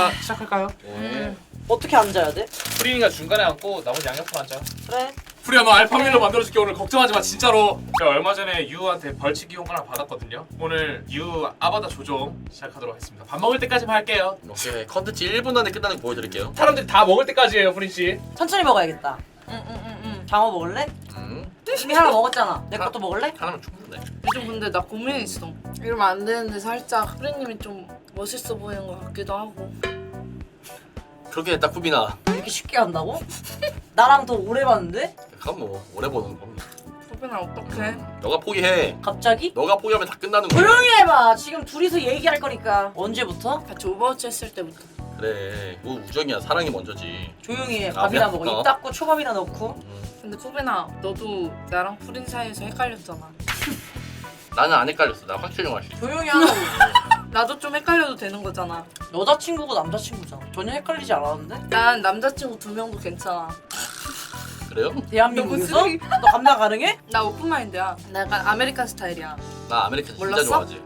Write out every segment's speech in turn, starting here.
시작할까요? 네. 어떻게 앉아야 돼? 프린이가 중간에 앉고 나머지 양옆으로 앉아. 그래. 프리야 너 알파밀로 만들어줄게. 오늘 걱정하지 마 진짜로. 제가 얼마 전에 유한테 벌칙 이용 하나 받았거든요. 오늘 유 아바타 조종 시작하도록 하겠습니다. 밥 먹을 때까지만 할게요. 오케이. 컨텐츠 1분 안에 끝나는 거 보여드릴게요. 사람들이 다 먹을 때까지예요, 프린 씨. 천천히 먹어야겠다. 장어 먹을래? 이미 하나 먹었잖아. 내 것도 먹을래? 하나면 충분해. 요즘 근데 나 고민이 있어. 이러면 안 되는데 살짝 프리님이 좀 멋있어 보이는 것 같기도 하고. 그렇게 딱 쿠비나. 이렇게 쉽게 한다고? 나랑 더 오래 봤는데? 그건 뭐 오래 보는 겁니다. 소빈아 어떡해? 너가 포기해. 갑자기? 너가 포기하면 다 끝나는 거야. 조용히 해봐. 지금 둘이서 얘기할 거니까. 언제부터? 같이 오버워치 했을 때부터. 그래. 뭐 우정이야. 사랑이 먼저지. 조용히 해. 아, 밥이나 미안. 먹어. 입 닫고 초밥이나 넣고. 근데 소빈아 너도 나랑 프린 사이에서 헷갈렸잖아. 나는 안 헷갈렸어. 나 확실히 말해. 조용히 하라고. 나도 좀 헷갈려도 되는 거잖아. 여자친구고 남자친구잖아. 전혀 헷갈리지 않았는데? 난 남자친구 2명도 괜찮아. 그래요? 대한민국에서? 너무 쓰레기. 너 감당 가능해? 나 오픈마인드야. 나 약간 아메리칸 스타일이야. 나 아메리칸 진짜 몰랐어? 좋아하지.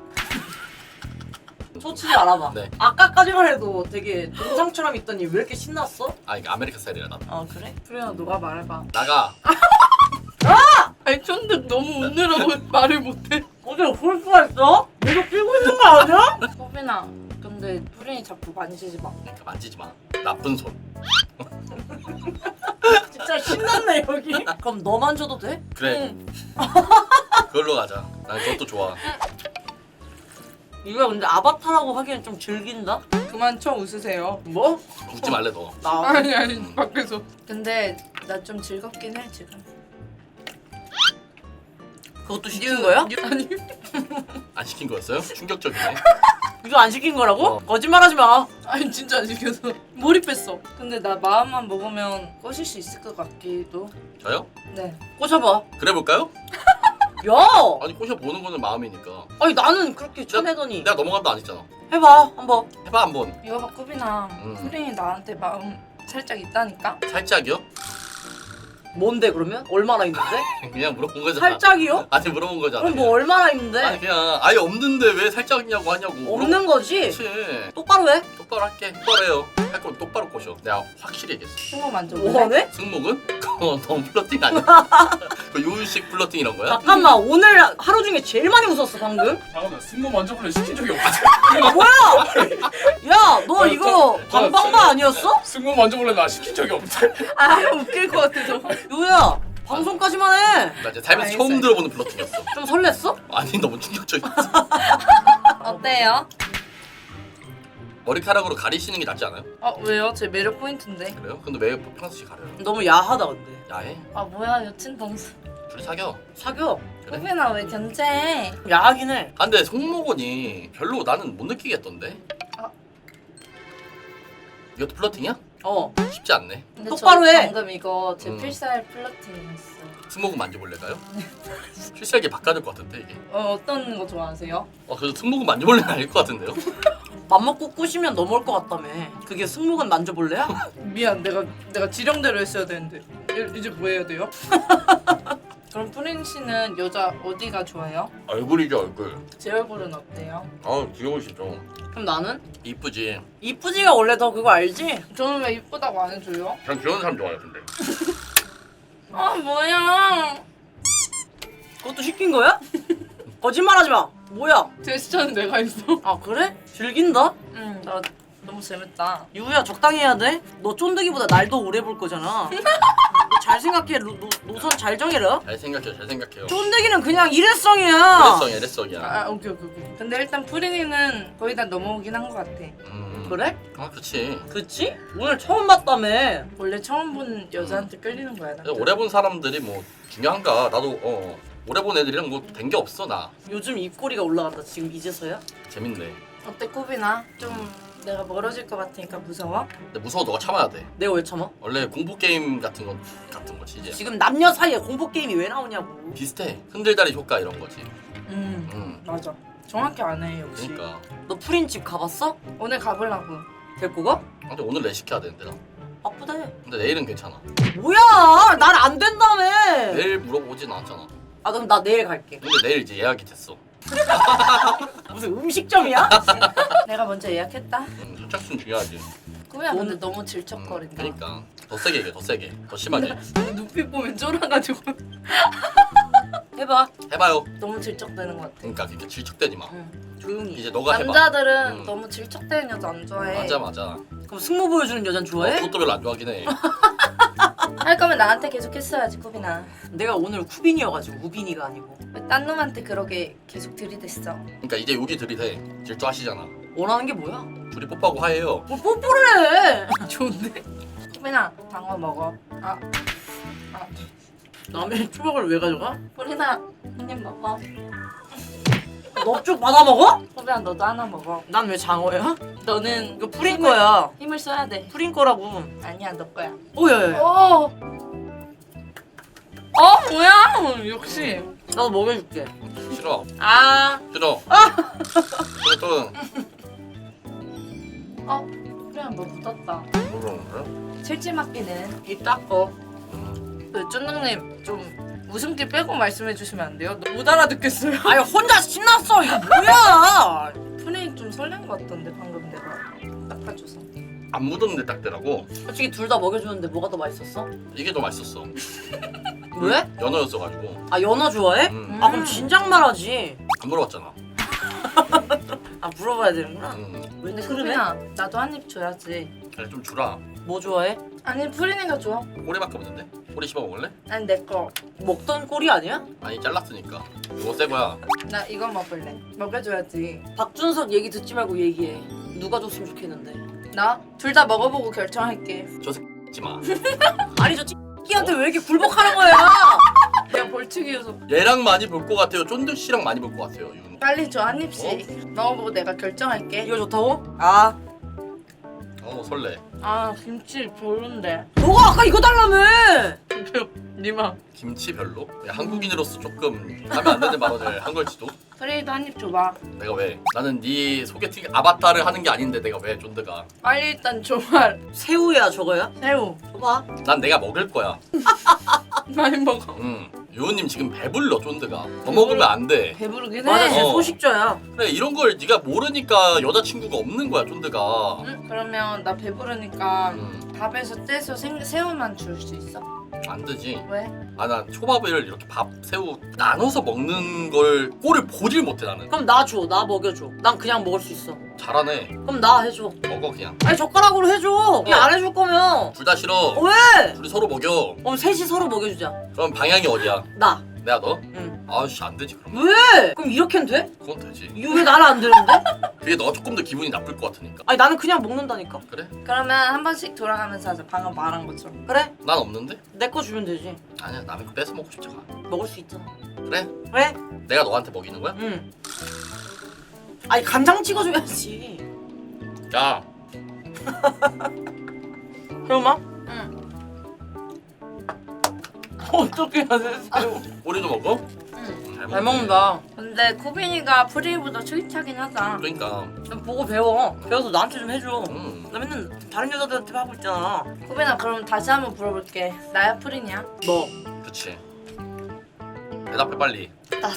솔직히 알아봐. 네. 아까까지만 해도 되게 동상처럼 있더니 왜 이렇게 신났어? 아 이게 아메리칸 스타일이라 나. 아 그래? 프리야 너가 말해봐. 나가. 아니 쫀득 너무 웃느라고 말을 못해. 어제 볼 수가 있어? 내가 끼고 있는 거 아니야? 소빈아 근데 프린이 자꾸 만지지 마. 그러니까 만지지 마. 나쁜 손. 진짜 신났네 여기. 그럼 너만 줘도 돼? 그래. 응. 그걸로 가자. 난 그것도 좋아. 이거 근데 아바타라고 하기엔 좀 즐긴다? 그만 쳐 웃으세요. 뭐? 웃지 말래 너. 나 아니 밖에서. 근데 나 좀 즐겁긴 해 지금. 그것도 시킨 거야? 아니 안 시킨 거였어요? 충격적이네. 이거 안 시킨 거라고? 어. 거짓말하지 마. 아니 진짜 안 시켜서 몰입했어. 근데 나 마음만 먹으면 꼬실 수 있을 것 같기도. 저요? 네. 꽂아봐. 그래 볼까요? 야! 아니 꼬셔 보는 거는 마음이니까. 아니 나는 그렇게 쳐내더니. 내가 넘어간다 안 했잖아. 해봐 한번. 해봐 한번. 이거 봐 꾸비나. 프린이 나한테 마음 살짝 있다니까. 살짝이요? 뭔데 그러면? 얼마나 있는데? 그냥 물어본 거잖아. 살짝이요? 아니 물어본 거잖아. 그럼 뭐 얼마나 있는데? 아니 그냥 아예 없는데 왜 살짝이냐고 하냐고. 없는 거지? 그렇지. 똑바로 해. 똑바로 할게. 똑바로 해요. 할 거면 똑바로 꼬셔. 내가 확실히 얘기했어. 승모 만져볼래? 뭐하네? 승목은? 그거 너무 플러팅 아니야? 그 요일식 플러팅 이런 거야? 잠깐만 오늘 하루 중에 제일 많이 웃었어 방금. 잠깐만 승모 만져볼래 시킨 적이 없어. 아 뭐야? 야 너 이거 반방바 아니었어? 승모 만져볼래 나 시킨 적이 없대. 아 웃길 것 같아서. 요야 방송까지만 해. 나 이제 살면서 알겠어요. 처음 들어보는 플러팅이었어. 좀 설렜어? 아니 너무 충격적이었어. 어때요? 머리카락으로 가리시는 게 낫지 않아요? 왜요? 제 매력 포인트인데. 그래요? 근데 왜 평소시 가려요? 너무 야하다 근데. 야해? 아 뭐야 여친 동생. 둘이 사겨. 사겨. 그래? 꾸비나 왜 견제해? 야하긴 해. 아 근데 송목원이 별로 나는 못 느끼겠던데? 아. 이것도 플러팅이야? 어. 쉽지 않네. 근데 똑바로 저 해. 방금 이거 제 음. 필살 플러팅이었어. 승모근 만져볼래까요? 필살기 바꿔야 될 것 같은데 이게. 어떤 거 좋아하세요? 그래서 승모근 만져볼래는 아닐 것 같은데요? 맘먹고 꾸시면 넘어올 것 같다며. 그게 승모근 만져볼래야? 미안 내가 지령대로 했어야 되는데 이제 뭐 해야 돼요? 그럼 프린 씨는 여자 어디가 좋아요? 얼굴이죠 얼굴. 제 얼굴은 어때요? 아 귀여우시죠. 그럼 나는? 이쁘지. 이쁘지가 원래 더 그거 알지? 저는 왜 이쁘다고 안 해줘요? 전 귀여운 사람 좋아해요 근데. 아 뭐야? 그것도 시킨 거야? 거짓말하지 마. 뭐야? 제스처는 내가 했어. 아 그래? 즐긴다? 나 너무 재밌다. 유야 적당히 해야 돼. 너 쫀득이보다 날도 오래 볼 거잖아. 너 잘 생각해. 노선 잘 정해라. 잘 생각해요 잘 생각해요. 쫀득이는 그냥 일회성이야. LS성이야 LS성이야. 오케이. 근데 일단 프린이는 거의 다 넘어오긴 한 것 같아. 그래? 아 그렇지. 그치? 오늘 처음 봤다며. 원래 처음 본 여자한테 끌리는 거야. 나. 오래 본 사람들이 뭐 중요한가. 나도 오래 본 애들이랑 뭐 된 게 없어 나. 요즘 입꼬리가 올라간다. 지금 이제서야? 재밌네. 어때 꾸비나? 좀 내가 멀어질 것 같으니까 무서워? 근데 무서워 너가 참아야 돼. 내가 왜 참아? 원래 공포 게임 같은 거지 이제. 지금 남녀 사이에 공포 게임이 왜 나오냐고. 비슷해. 흔들다리 효과 이런 거지. 맞아. 정확히 안 해 역시. 그러니까. 너 프린 집 가봤어? 오늘 가보려고. 데리고 가? 근데 오늘 내 시켜야 되는데 나. 바쁘대. 근데 내일은 괜찮아. 뭐야? 날 안 된다며. 내일 물어보진 않았잖아. 아 그럼 나 내일 갈게. 근데 내일 이제 예약이 됐어. 무슨 음식점이야? 내가 먼저 예약했다. 선착순 중요하지. 꾸미야 근데 너무 질척거린다. 그러니까 더 세게 얘기해, 더 세게, 더 심하게. 눈빛 보면 쫄아가지고. 해봐. 해봐요. 너무 질척대는 것 같아. 그러니까 그렇게 질척대지 마. 조용히. 이제 너가 해봐. 남자들은 음. 너무 질척대는 여자 안 좋아해. 맞아. 그럼 승모 보여주는 여잔 좋아해? 그것도 별로 안 좋아하긴 해. 할 거면 나한테 계속 했어야지 쿠비나. 내가 오늘 쿠빈이어가지고 우빈이가 아니고. 왜 딴 놈한테 그렇게 계속 들이댔어? 그러니까 이제 여기 들이대. 질투하시잖아. 원하는 게 뭐야? 둘이 뽀뽀하고 하예요. 뭐 뽀뽀를 해. 좋은데? 쿠비나 방어 먹어. 아 남의 추억을 왜 가져가? 쿠비나 한입 먹어. 너 쭉 받아 먹어? 쿠비나 너도 하나 먹어. 난 왜 장어야? 너는 이거 프린 거야. 힘을 써야 돼. 프린 거라고. 아니야 너 거야. 오야야. 오. 뭐야? 역시. 나도 먹여줄게. 싫어. 아. 싫어. 또 그냥 뭐 묻었다. 그런 거야? 실질 맡기는. 입 닦어. 쫀득님 좀 웃음기 빼고 말씀해 주시면 안 돼요? 못 알아듣겠어요. 아니 혼자 신났어. 이거 뭐야? 프레임 좀 설렌 것 같던데 방금 내가 닦아줘서. 안 묻었는데 딱 되라고. 솔직히 둘 다 먹여주는데 뭐가 더 맛있었어? 이게 더 맛있었어. 왜? 연어였어가지고. 아 연어 좋아해? 아 그럼 진작 말하지. 안 물어봤잖아. 아 물어봐야 되는구나. 근데 그러네? 쿠비나 나도 한 입 줘야지. 그래 좀 주라. 뭐 좋아해? 아니 프리니가 줘. 꼬리밖에 없는데? 꼬리 씹어 먹을래? 아니 내 거. 먹던 꼴이 아니야? 아니 잘랐으니까. 이거 새 거야. 나 이거 먹을래. 먹여줘야지. 박준석 얘기 듣지 말고 얘기해. 누가 줬으면 좋겠는데. 나 둘 다 먹어보고 결정할게. 지 마. 아니 저 X한테 왜 이렇게 굴복하는 거야? 내가 벌칙이어서. 얘랑 많이 볼 것 같아요. 쫀득 씨랑 많이 볼 것 같아요. 이거는. 빨리 줘 한 입씩. 먹어보고 내가 결정할게. 이거 좋다고? 아 설레. 아 김치 별론데. 너가 아까 이거 달라며. 니마. 김치 별로? 한국인으로서 조금 하면 안 되는 발언을 한 걸지도. 프레이도 한 입 줘봐. 내가 왜? 나는 네 소개팅 아바타를 하는 게 아닌데 내가 왜 쫀드가? 빨리 일단 줘봐. 새우야 저거야? 새우. 줘봐. 난 내가 먹을 거야. 많이 먹어. 요은님 지금 배불러 쫀드가. 더 먹으면 안 돼. 배부르긴 해. 맞아 쟤 어. 소식자야. 그래 이런 걸 네가 모르니까 여자친구가 없는 거야 쫀드가. 그러면 나 배부르니까 음, 밥에서 떼서 새우만 줄 수 있어? 안 되지. 왜? 아 난 초밥을 이렇게 밥 새우 나눠서 먹는 걸 꼴을 보질 못해 나는. 그럼 나 줘. 나 먹여줘. 난 그냥 먹을 수 있어. 잘하네. 그럼 나 해줘. 먹어 그냥. 아니 젓가락으로 해줘. 그냥 안 해줄 거면. 둘 다 싫어. 왜? 둘이 서로 먹여. 그럼 셋이 서로 먹여주자. 그럼 방향이 어디야? 나. 내가 너? 응. 아씨 안 되지 그럼. 왜? 그럼 이렇게는 돼? 그건 되지. 이거 왜 나는 안 되는데? 그게 너 조금 더 기분이 나쁠 것 같으니까. 아니 나는 그냥 먹는다니까. 그래? 그러면 한 번씩 돌아가면서 하자. 방금 말한 것처럼. 그래? 난 없는데? 내 거 주면 되지. 아니야 남의 거 뺏어 먹고 싶잖아. 먹을 수 있잖아. 그래? 그래? 내가 너한테 먹이는 거야? 응. 아니 간장 찍어줘야지. 야 그러면? 응. 어떻게 해야 돼? 꼬리도 먹어? 응. 잘 먹는다. 근데 코빈이가 프리보다 스윗하긴 하다. 그러니까 좀 보고 배워. 배워서 나한테 좀 해줘. 음. 나 맨날 다른 여자들한테 하고 있잖아. 코빈아 그럼 다시 한번 물어볼게. 나야 프리냐? 너. 그치 대답해 빨리. 나도.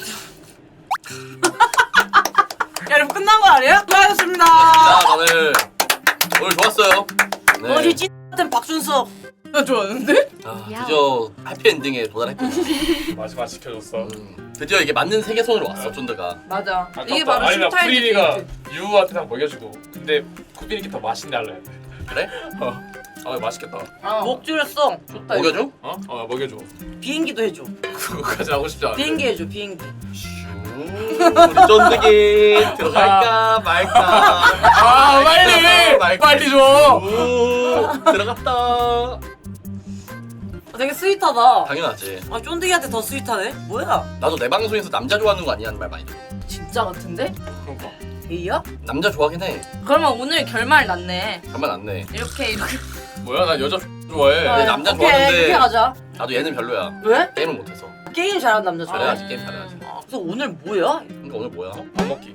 야, 여러분 끝난 거 아니에요? 수고하셨습니다. 자 다들 오늘 좋았어요. 네. 어제 찐 같은 박준석. 나 좋아하는데? 아, 드디어 해피엔딩에 도달했거든. 마지막 지켜줬어. 드디어 이게 맞는 세계선으로 왔어 쫀드가. 맞아. 아깝다. 이게 바로 아니 나 슈타인 프리니가 데이트. 유한테 다 먹여주고 근데 쿠빈이께 더 맛있네 할래. 그래? 아 맛있겠다. 목 줄였어. 좋다. 먹여줘? 먹여줘. 비행기도 해줘. 그거까지 하고 싶지 않은데. 비행기 해줘, 비행기. 우리 쫀득이 들어갈까 말까. 아 빨리 빨리 줘. 오, 들어갔다. 되게 스윗하다. 당연하지. 아, 쫀득이한테 더 스윗하네? 뭐야? 나도 내 방송에서 남자 좋아하는 거 아니냐는 말 많이 들어. 진짜 같은데? 그러니까. 얘야? 남자 좋아하긴 해. 그러면 오늘 결말 났네. 가만 안 내. 이렇게. 뭐야 나 여자 좋아해. 내 남자 오케이, 좋아하는데 이렇게 가자. 나도 얘는 별로야. 왜? 게임을 못해서. 게임 잘하는 남자 좋아해. 잘해야지 게임 잘해야지. 아, 그래서 오늘 뭐야? 그러니까 오늘 뭐야? 밥 먹기.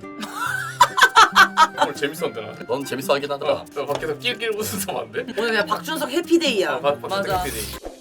오늘 재밌었는데 나. 넌 재밌어 하긴 하더라. 너 밖에서 낄낄 웃으면 안 돼? 오늘 그냥 박준석 해피데이야. 박준석 맞아. 해피데이.